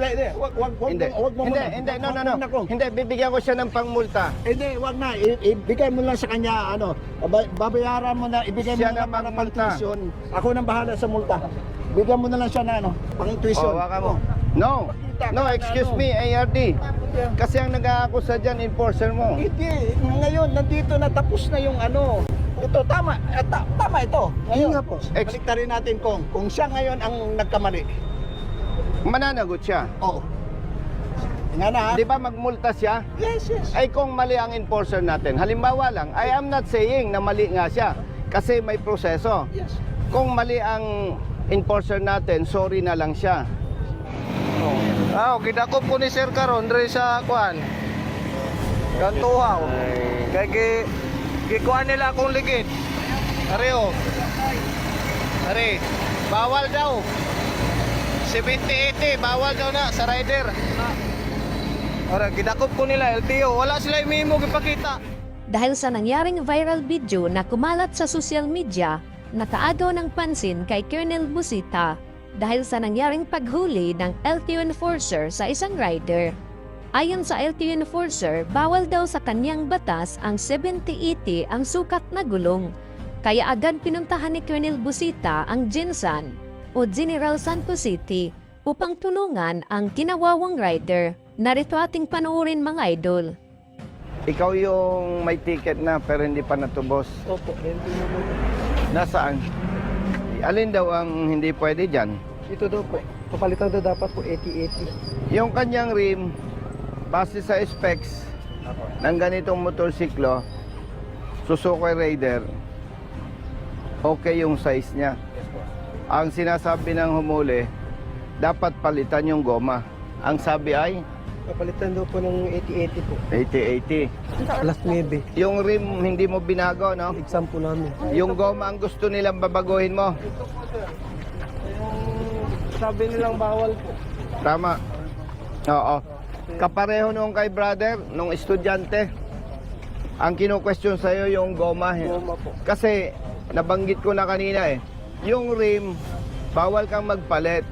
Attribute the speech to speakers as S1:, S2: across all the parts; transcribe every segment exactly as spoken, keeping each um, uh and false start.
S1: Hindi, hindi. Wag, wag, wag,
S2: Hindi.
S1: wag mo
S2: Hindi,
S1: muna.
S2: hindi, no,
S1: Wag
S2: no,
S1: mo
S2: no.
S1: muna, Kong.
S2: Hindi, bibigyan ko siya ng pangmulta.
S1: Hindi, wag na. I- ibigay mo lang sa kanya, ano, ba- babayaran mo na, ibigay
S2: Siya
S1: mo na
S2: na
S1: para pang
S2: magmulta.
S1: tuition. Ako nang bahala sa multa. Bigyan mo na lang siya na, ano, pang tuition.
S2: Oh, waka mo. No. No, excuse me, A R D. Kasi ang nag-aakusa dyan, enforcer mo.
S1: Hindi, ngayon, nandito na, tapos na yung ano. Ito, tama. Eh, ta- tama ito. Ngayon,
S3: nga po.
S2: Ex-
S1: baliktarin natin kung, kung siya ngayon ang nagkamali.
S2: Mananagot siya.
S1: Oo. Nga na, ha?
S2: Di ba magmulta siya?
S1: Yes, yes.
S2: Ay kung mali ang enforcer natin. Halimbawa lang, I am not saying na mali nga siya. Kasi may proseso.
S1: Yes.
S2: Kung mali ang enforcer natin, sorry na lang siya.
S3: Ah, oh, gidakop ko ni Sir karon diri sa kuan. Kantuhaw. Kay gi gikuan nila akong ligid. Are oh. Are. Bawal daw. seventy eighty bawal daw na sa rider. Ora gidakop ko nila L T O. Wala sila memo gipakita.
S4: Dahil sa nangyaring viral video na kumalat sa social media, nakaagaw ng pansin kay Colonel Busita dahil sa nangyaring paghuli ng L T O enforcer sa isang rider. Ayon sa L T O enforcer, bawal daw sa kanyang batas ang seventy eighty ang sukat na gulong. Kaya agad pinuntahan ni Colonel Busita ang Jinsan o General Santos City upang tulungan ang kinawawang rider. Narito ating panoorin mga idol.
S2: Ikaw yung may ticket na pero hindi pa natubos.
S3: Opo, hindi mo po.
S2: Nasaan? Alin daw ang hindi pwede dyan?
S3: Ito daw po. Papalitan daw dapat po eighty eighty.
S2: Yung kanyang rim, base sa specs ng ganitong motorsiklo, Suzuki Raider, okay yung size niya. Ang sinasabi ng humuli, dapat palitan yung goma. Ang sabi ay
S3: Papalitan daw po ng eighty eighty po.
S2: eighty eighty.
S3: Alas nuwebe.
S2: Yung rim hindi mo binago, no?
S3: Exam po namin.
S2: Yung goma ang gusto nilang babaguhin mo.
S3: Sabi nilang bawal po.
S2: Tama. Oo. Kapareho nung kay brother, nung estudyante. Ang kino-question sa'yo yung goma.
S3: Goma po.
S2: Kasi, nabanggit ko na kanina eh, yung rim, bawal kang magpalit.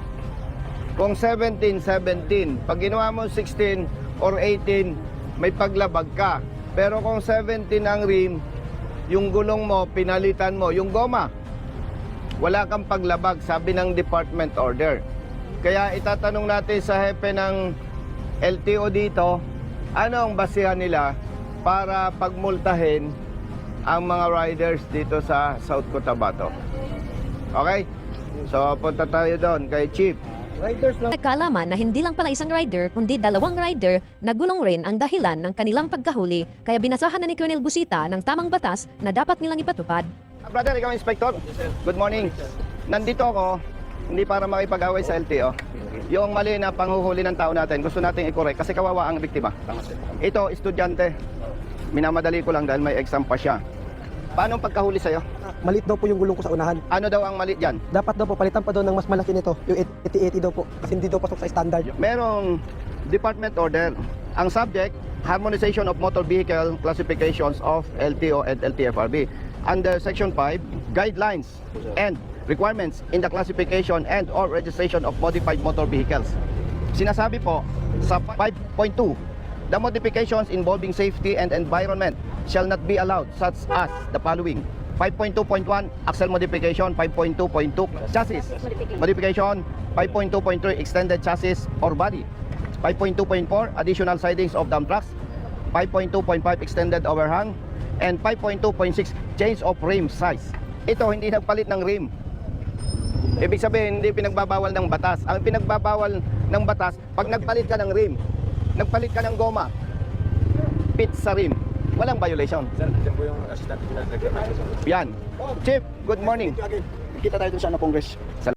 S2: Kung seventeen, seventeen. Pag ginawa mo sixteen or eighteen, may paglabag ka. Pero kung seventeen ang rim, yung gulong mo, pinalitan mo, yung goma, wala kang paglabag, sabi ng department order. Kaya itatanong natin sa hepe ng L T O dito, ano ang basihan nila para pagmultahin ang mga riders dito sa South Cotabato. Okay? So, punta tayo doon kay Chief.
S3: Riders lang.
S4: Nagkaalaman na hindi lang pala isang rider, kundi dalawang rider na gulong rin ang dahilan ng kanilang pagkahuli, kaya binasahan na ni Colonel Busita ng tamang batas na dapat nilang ipatupad.
S2: Brother, ikaw inspector. Good morning. Nandito ako, hindi para makipag-away sa L T O. Yung mali na panghuhuli ng tao natin, gusto nating i-correct kasi kawawa ang biktima. Ito, estudyante. Minamadali ko lang dahil may exam pa siya. Paano ang pagkahuli sa'yo?
S3: Malit daw po yung gulong ko sa unahan.
S2: Ano daw ang mali dyan?
S3: Dapat daw po palitan pa daw ng mas malaki nito. Yung eighty eighty daw po. Kasi hindi daw pasok sa standard.
S2: Merong department order. Ang subject, Harmonization of Motor Vehicle Classifications of L T O and L T F R B. Under Section five, Guidelines and Requirements in the Classification and or Registration of Modified Motor Vehicles. Sinasabi po sa five point two, the modifications involving safety and environment shall not be allowed such as the following. five point two point one, axle modification. Five point two point two, chassis modification. Five point two point three, extended chassis or body. Five point two point four, additional sidings of dump trucks. Five point two point five, extended overhang. And five point two point six, change of rim size. Ito, hindi nagpalit ng rim. Ibig sabihin, hindi pinagbabawal ng batas. Ang pinagbabawal ng batas, pag nagpalit ka ng rim, nagpalit ka ng goma, pit sa rim, walang violation.
S1: Sir, nandiyan po yung assistant.
S2: Yan. Chief, good morning.
S1: Kita tayo dun sa ano, Congress.